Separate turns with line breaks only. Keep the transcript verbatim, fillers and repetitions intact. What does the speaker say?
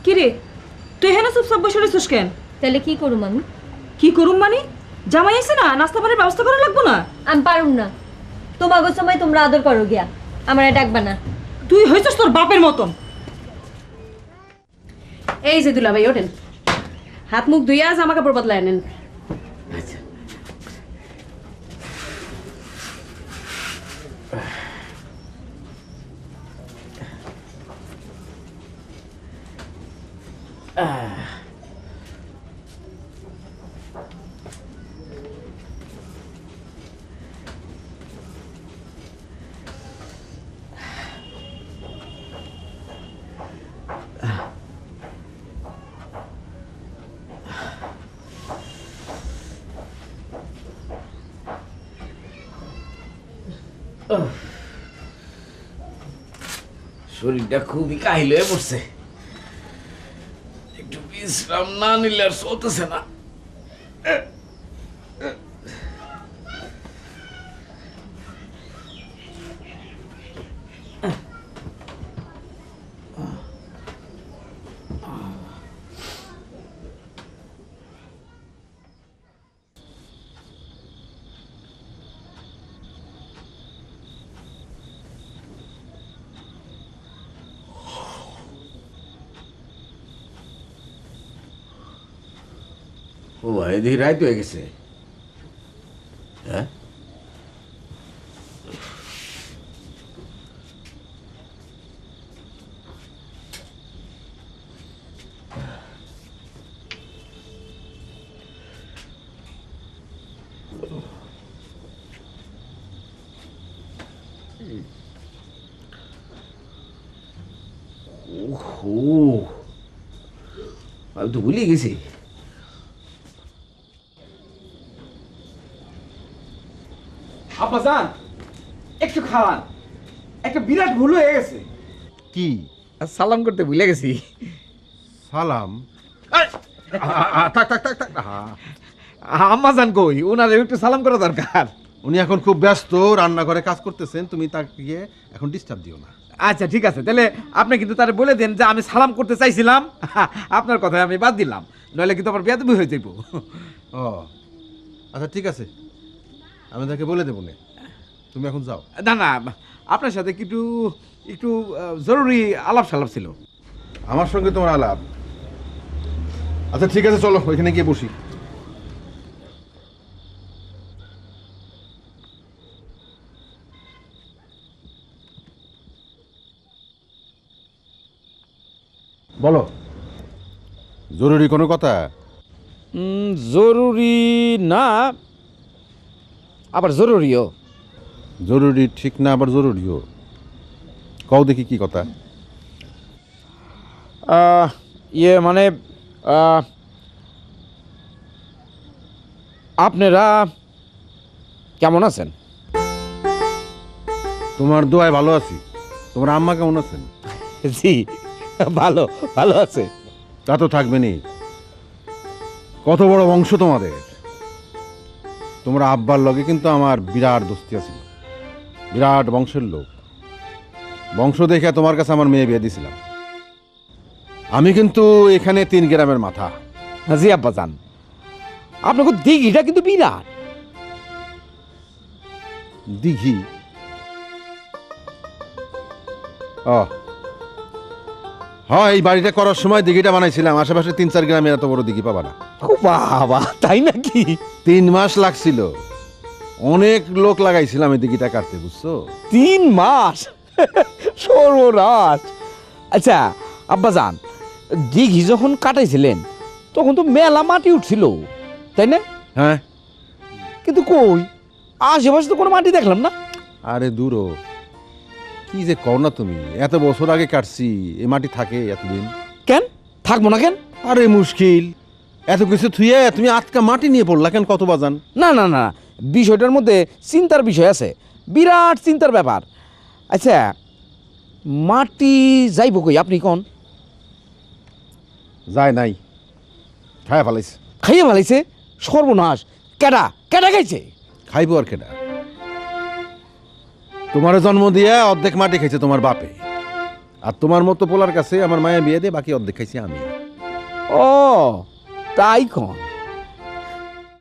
কি রে তুই হেন চুপচাপ বসে রইছিস কেন?
তাহলে কি করুম আমি?
কি করুম মানে? জামাই আছে না, নাস্তা পানির ব্যবস্থা করা লাগবো না?
আমি পারুম না। তোমাগো সময় তোমরা আদর করো গিয়া, আমার ডাকবা না।
তুই হয়েছিস তোর বাপের মতন।
এই যে দুলাভাই ওঠেন, হাত মুখ ধুইয়া জামা কাপড় বদলায় নেন।
শরীরটা খুবই কাহিল হয়ে পড়ছে, একটু বিশ্রাম না নিলে আর চলতেছে না। ও ভাই, এদিকে রাইত হয়ে গেছে। হ্যাঁ, ওহো, আমি তো ভুলে গেছি।
আব্বাজান একটু খাওয়ান, একটা বিরাট ভুল হয়ে গেছে।
কি?
সালাম করতে ভুলে গেছি।
সালাম? আ- আ- আ- থাক থাক থাক থাক আহা।
আম্মা জান কই, ওনারে একটু সালাম করা দরকার।
উনি এখন খুব ব্যস্ত, রান্নাঘরে কাজ করতেছেন, তুমি তাকে গিয়ে এখন ডিস্টার্ব দিও না।
আচ্ছা ঠিক আছে, তাহলে আপনি কিন্তু তারে বলে দেন যে আমি সালাম করতে চাইছিলাম, আপনার কথায় আমি বাদ দিলাম, নইলে কিন্তু আমার বেয়াদবি হয়ে যাইব।
ও আচ্ছা ঠিক আছে, আমি তাকে বলে দেবো না, তুমি এখন যাও।
না না, আপনার সাথে একটু একটু আহ, জরুরি আলাপ সালাপ ছিল।
আমার সঙ্গে তোমার আলাপ? আচ্ছা ঠিক আছে, চলো ওইখানে গিয়ে বসি। বলো, জরুরি কোনো কথা?
জরুরি না, আবার জরুরিও।
জরুরি ঠিক না, আবার জরুরিও। কও দেখি কি কথা।
ইয়ে মানে আহ, আপনারা কেমন আছেন?
তোমার দোয়ায় ভালো আছি। তোমার আম্মা কেমন আছেন?
জি ভালো, ভালো আছে।
তা তো থাকবেনি, কত বড় বংশ তোমাদের। তোমার আব্বার লগে কিন্তু আমার বিরাট দোস্তি আছিল, বিরাট বংশের লোক। বংশ দেখে তোমার কাছে আমার মেয়ে বিয়ে দিয়েছিলাম। আমি কিন্তু এখানে তিন গ্রামের মাথা।
জি আব্বা জান, আপনাকে দিঘিটা কিন্তু বিরাট।
দিঘি? ও হ্যাঁ, এই বাড়িটা করার সময় দিঘিটা বানাইছিলাম। আশেপাশে তিন চার গ্রামে এত বড় দিঘি পাবা না।
ও বাবা, তাই নাকি?
তিন মাস লাগছিল, অনেক লোক লাগাইছিলাম এই দিঘিটা কাটতে, বুঝছো?
তিন মাস? সর্বনাশ। আচ্ছা আব্বা জান, দিঘি যখন কাটাইছিলেন তখন তো মেলা মাটি উঠছিল, তাই না?
হ্যাঁ।
কিন্তু কই, আশেপাশে তো কোনো মাটি দেখলাম না।
আরে দূরও, কি যে কও না তুমি, এত বছর আগে কাটছি, এই মাটি থাকে এতদিন?
কেন থাকবো না কেন?
আরে মুশকিল, এত কিছু থুয়ে তুমি আটকা মাটি নিয়ে পড়লা কেন? কত বাজান?
না না না, বিষয়টার মধ্যে চিন্তার বিষয় আছে, বিরাট চিন্তার ব্যাপার। আচ্ছা মাটি যাইব কই আপনি কোন?
যায় নাই, খায় ফেলাইছে।
খাইয়ে ভালাইছে? সর্বনাশ। কেডা কেডা খাইছে?
খাইবো আর কেডা? তোমার জন্ম দিয়ে অর্ধেক মাটি খাইছে তোমার বাপে, আর তোমার মতো পোলার কাছে আমার মায়া বিয়ে দিয়ে বাকি অর্ধেক খাইছি আমি।
ও তাই কন